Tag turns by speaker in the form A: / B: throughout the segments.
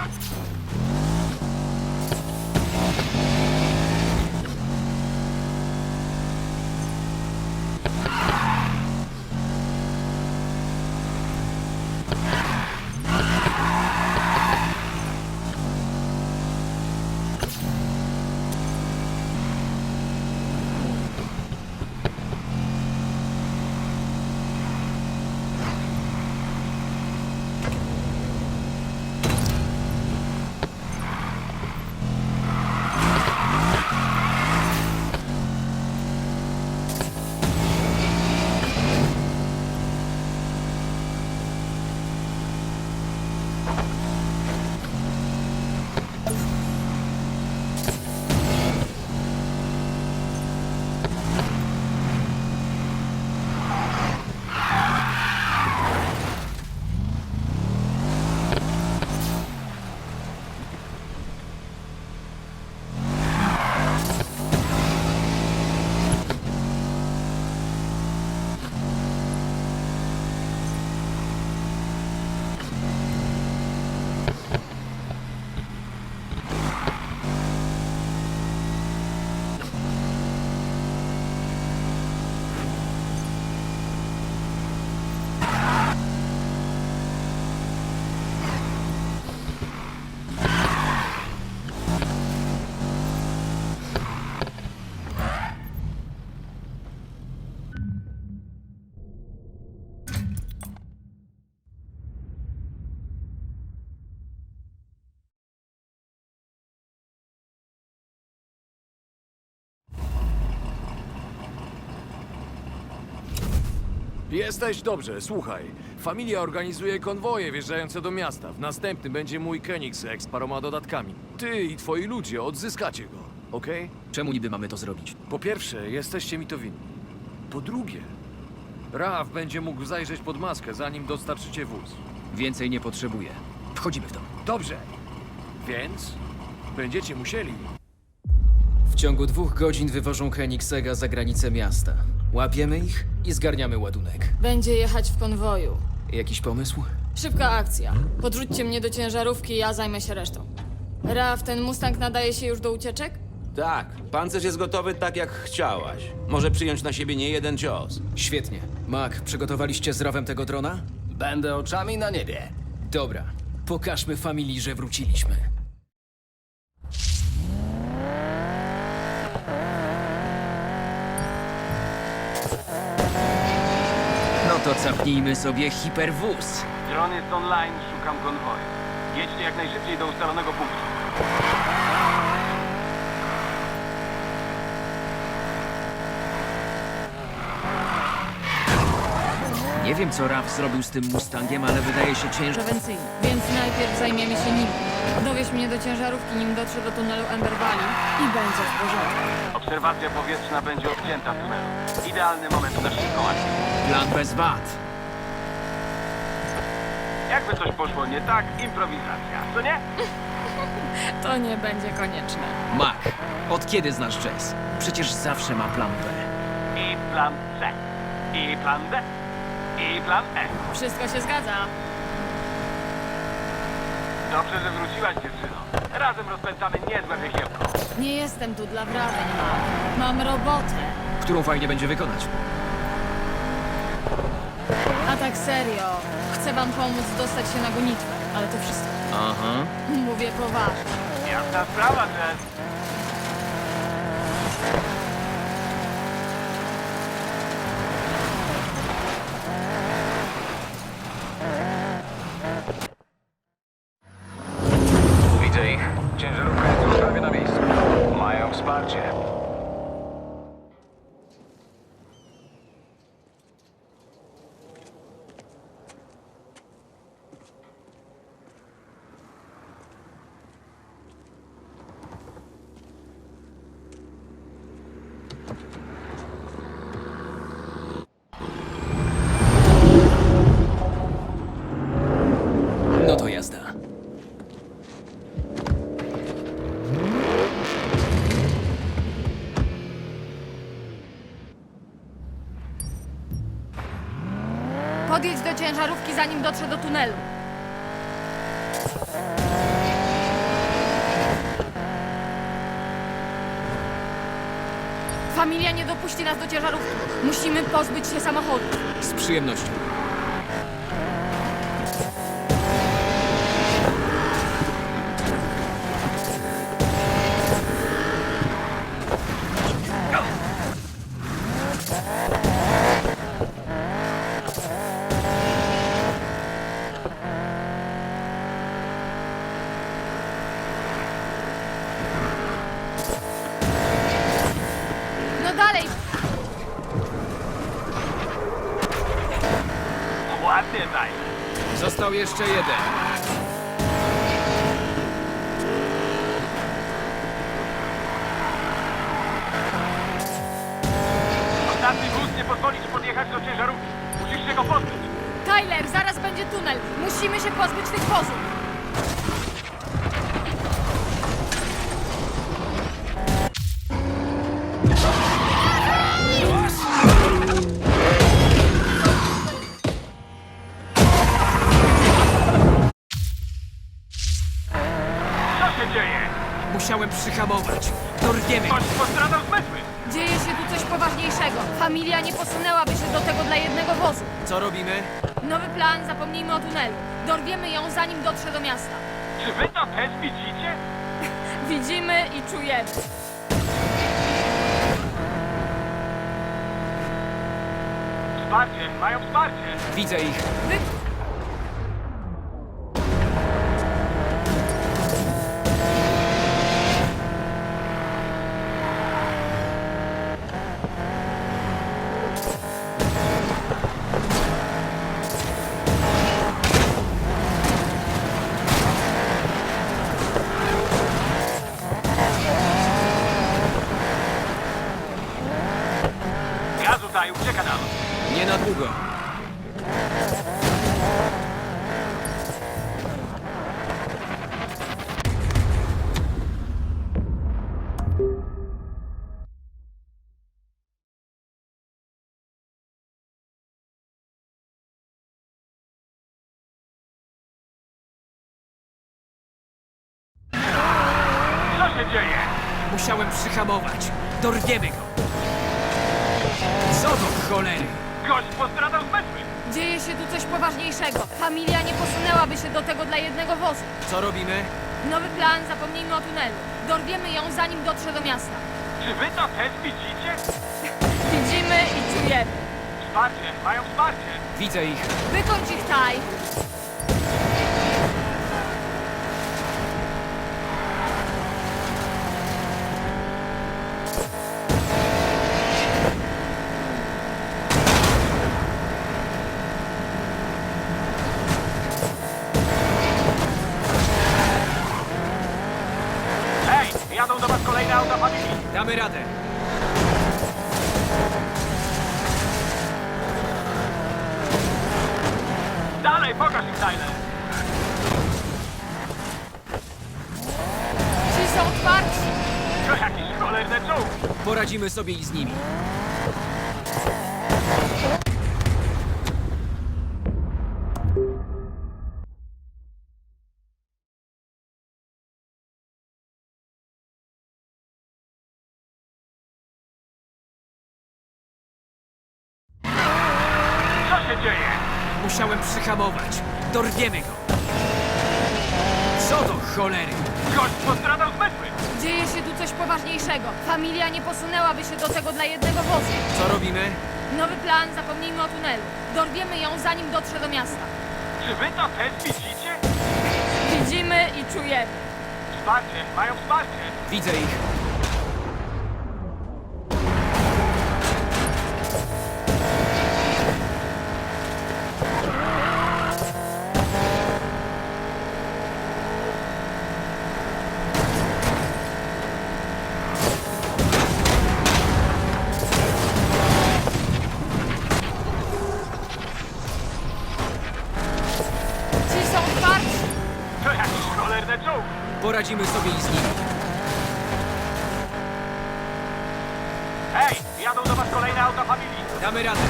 A: Jesteś? Dobrze, słuchaj. Familia organizuje konwoje wjeżdżające do miasta. W następnym będzie mój Koenigsegg z paroma dodatkami. Ty i twoi ludzie odzyskacie go, okej?
B: Czemu niby mamy to zrobić?
A: Po pierwsze, jesteście mi to winni. Po drugie, Raf będzie mógł zajrzeć pod maskę, zanim dostarczycie wóz.
B: Więcej nie potrzebuję. Wchodzimy w to.
A: Dobrze. Więc będziecie musieli.
B: W ciągu 2 godzin wywożą Koenigsegga za granicę miasta. Łapiemy ich i zgarniamy ładunek.
C: Będzie jechać w konwoju.
B: Jakiś pomysł?
C: Szybka akcja. Podrzućcie mnie do ciężarówki, ja zajmę się resztą. Raf, ten Mustang nadaje się już do ucieczek?
D: Tak, pancerz jest gotowy tak jak chciałaś. Może przyjąć na siebie nie jeden cios.
B: Świetnie. Mac, przygotowaliście z Rawem tego drona?
E: Będę oczami na niebie.
B: Dobra. Pokażmy familii, że wróciliśmy. No to capnijmy sobie hiperwóz.
F: Dron jest online, szukam konwoju. Jedźcie jak najszybciej do ustalonego punktu.
B: Nie wiem, co Raf zrobił z tym Mustangiem, ale wydaje się ciężko.
C: Prewencyjny. Więc najpierw zajmiemy się nim. Dowieź mnie do ciężarówki, nim dotrze do tunelu Ember Valley i będzie w porządku.
F: Obserwacja powietrzna będzie odcięta w tunelu. Idealny moment na szybką akcję.
B: Plan bez wad.
F: Jakby coś poszło nie tak, improwizacja, co nie?
C: To nie będzie konieczne.
B: Mac, od kiedy znasz jazz? Przecież zawsze ma plan B.
F: I plan C. I plan D. I plan E.
C: Wszystko się zgadza.
F: Dobrze, że wróciłaś, dziewczyno. Razem rozpętamy niezłe wychiełko.
C: Nie jestem tu dla wrażeń, Mam robotę.
B: Którą fajnie będzie wykonać.
C: A tak serio, chcę wam pomóc dostać się na gonitwę, ale to wszystko.
B: Aha.
C: Mówię poważnie.
F: Jasna sprawa, Jess. Widzę ich. Ciężarówka jest już prawie na miejscu. Mają wsparcie.
B: No to jazda.
C: Podjedź do ciężarówki, zanim dotrze do tunelu. Familia nie dopuści nas do ciężarówki. Musimy pozbyć się samochodu.
B: Z przyjemnością.
C: No dalej!
F: Ładnie, Tyler.
B: Został jeszcze jeden.
F: Ostatni wóz nie pozwoli ci podjechać do ciężarówki. Musisz się go pozbyć.
C: Tyler, zaraz będzie tunel. Musimy się pozbyć tych wozów.
F: Co się dzieje?
B: Musiałem przyhamować. Dorwiemy.
F: Ktoś postradał zmysły.
C: Dzieje się tu coś poważniejszego. Familia nie posunęłaby się do tego dla jednego wozu.
B: Co robimy?
C: Nowy plan, zapomnijmy o tunelu. Dorwiemy ją, zanim dotrze do miasta.
F: Czy wy to też widzicie?
C: Widzimy i czujemy.
F: Wsparcie, mają wsparcie.
B: Widzę ich.
C: Wy...
F: Gazu daj, ucieka nam.
B: Nie na długo.
F: Co się dzieje?
B: Musiałem przyhamować. Dorwiemy go. Co do cholery?
F: Gość postradał zmysły.
C: Dzieje się tu coś poważniejszego. Familia nie posunęłaby się do tego dla jednego wozu.
B: Co robimy?
C: Nowy plan, zapomnijmy o tunelu. Dorwiemy ją, zanim dotrze do miasta.
F: Czy wy to też widzicie?
C: Widzimy i czujemy.
F: Wsparcie, mają wsparcie.
B: Widzę ich.
C: Wykończ ich, Taj.
F: Hej, jadą do was kolejne auta familii.
B: Damy radę.
F: Dalej, pokaż im, Tyler.
C: Ci są otwarci.
F: To jakiś cholerny czołg.
B: Poradzimy sobie i z nimi.
F: Co się dzieje?
B: Musiałem przyhamować. Dorwiemy go. Co do cholery?
F: Gość postradał zmysły.
C: Dzieje się tu coś poważniejszego. Familia nie posunęłaby się do tego dla jednego wozu.
B: Co robimy?
C: Nowy plan, zapomnijmy o tunelu. Dorwiemy ją, zanim dotrze do miasta.
F: Czy wy to też widzicie?
C: Widzimy i czujemy.
F: Wsparcie, mają wsparcie.
B: Widzę ich.
C: Ci są otwarci.
F: To jakiś cholerny czołg.
B: Poradzimy sobie i z nimi.
F: Hej, jadą do was kolejne auta familii.
B: Damy radę.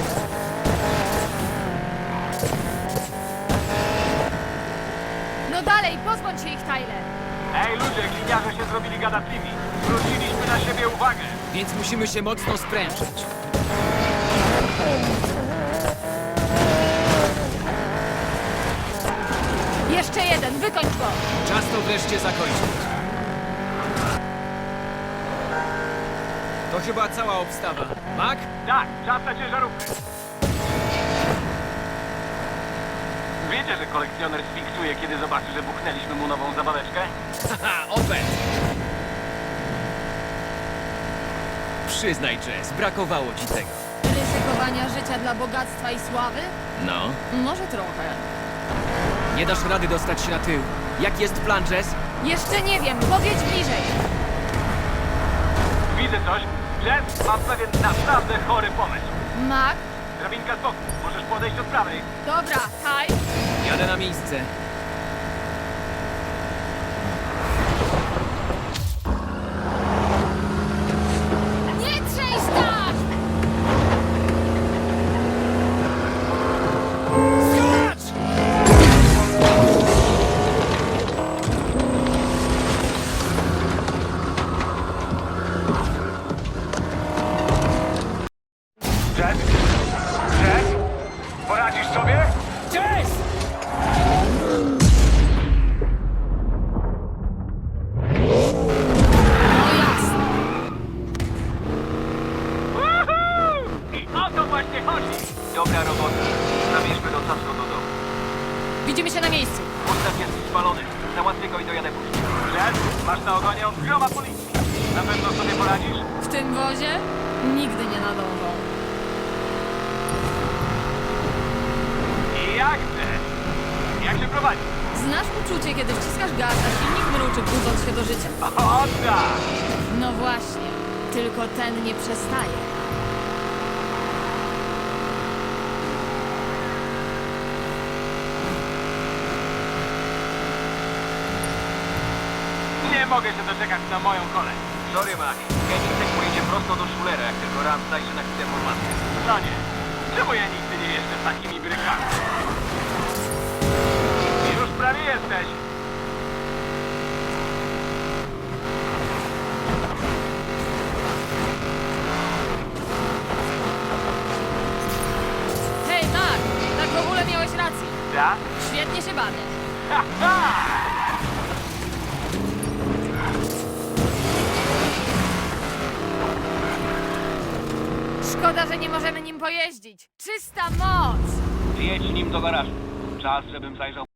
C: No dalej, pozbądź się ich, Tyler.
F: Ej ludzie, gliniarze się zrobili gadatliwi. Zwróciliśmy na siebie uwagę.
B: więc musimy się mocno sprężyć.
C: Jeszcze jeden, wykończ go!
B: Czas to wreszcie zakończyć. To chyba cała obstawa. Mac?
F: Tak, czas na ciężarówkę. Wiecie, że kolekcjoner sfiksuje, kiedy zobaczy, że buchnęliśmy mu nową zabaweczkę?
B: Haha, opet! Przyznaj, Jess, brakowało ci tego.
C: Ryzykowania życia dla bogactwa i sławy?
B: No?
C: Może trochę.
B: Nie dasz rady dostać się na tył. Jak jest plan, Jess?
C: Jeszcze nie wiem, powiedz bliżej.
F: Widzę coś. Jess, mam pewien naprawdę chory pomysł.
C: Mac?
F: Drabinka z boku. Możesz podejść od prawej.
C: Dobra, Kaj.
B: Jadę na miejsce.
C: Nie trzęść tak!
F: Jess? Jess? Poradzisz sobie?
B: Jess!
C: No jasne.
F: Woohoo! I o to właśnie chodzi. Dobra robota. Zabierzmy do Sasko do domu.
C: Widzimy się na miejscu.
F: Mustang jest spalony. Załatwię go i dojadę później. Jess, masz na ogonie odgroma policji. Na pewno sobie poradzisz?
C: W tym wozie nigdy nie nadążą.
F: I jak chcesz? Jak się prowadzi?
C: Znasz uczucie, kiedy wciskasz gaz, a silnik mruczy, budząc się do życia?
F: O tak!
C: No właśnie, tylko ten nie przestaje.
F: Nie mogę się doczekać na moją kolej. Sorry, Mac. Kenny pojedzie prosto do Schulera, jak tylko Ram zajrzy na chwilę formację. No nie. Czemu ja nigdy nie jeżdżę z takimi brykami? Już prawie jesteś.
C: Hej, Mac, tak w ogóle miałeś rację.
F: Ja?
C: Świetnie się bawię.
F: Ha, ha!
C: Szkoda, że nie możemy nim pojeździć. Czysta moc!
F: Jedź nim do garażu. Czas, żebym zajrzał